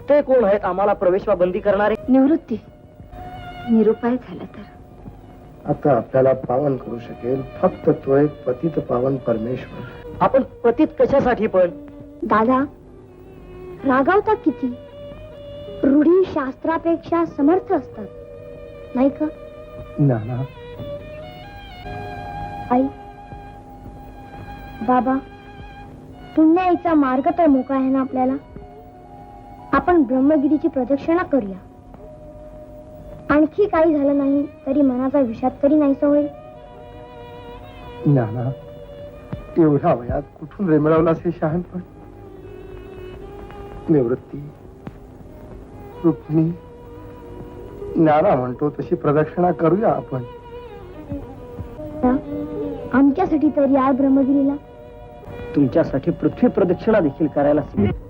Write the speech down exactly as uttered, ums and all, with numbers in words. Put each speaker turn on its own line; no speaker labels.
ते कोण आहेत आम्हाला प्रवेशवा बंदी करणारे?
निवृत्ती. निरुपाय झाला तर
आता आपल्याला पावन करू शकेल फक्त तो एक पतित पावन परमेश्वर.
आपण पतित कशासाठी पण?
दादा रागावता किती? रूढी शास्त्रापेक्षा समर्थ असतात नाही का?
नाना,
आई बाबा, पुण्याईचा मार्ग तर मोकळा आहे ना आपल्याला. आपण ब्रह्मगिरीची प्रदक्षिणा करूया. आणखी काही झालं नाही तरी मनाचा विषाद तरी नाहीसा होईल.
नाना, एवढ्या वयात कुठून रेमळवलास हे शहाणपण? निवृत्ती, रुक्मिणी, नाना म्हणतो तशी प्रदक्षिणा करूया आपण.
आमच्यासाठी तरी या ब्रह्मगिरीला.
तुमच्यासाठी पृथ्वी प्रदक्षिणा देखील करायला सांगितलं.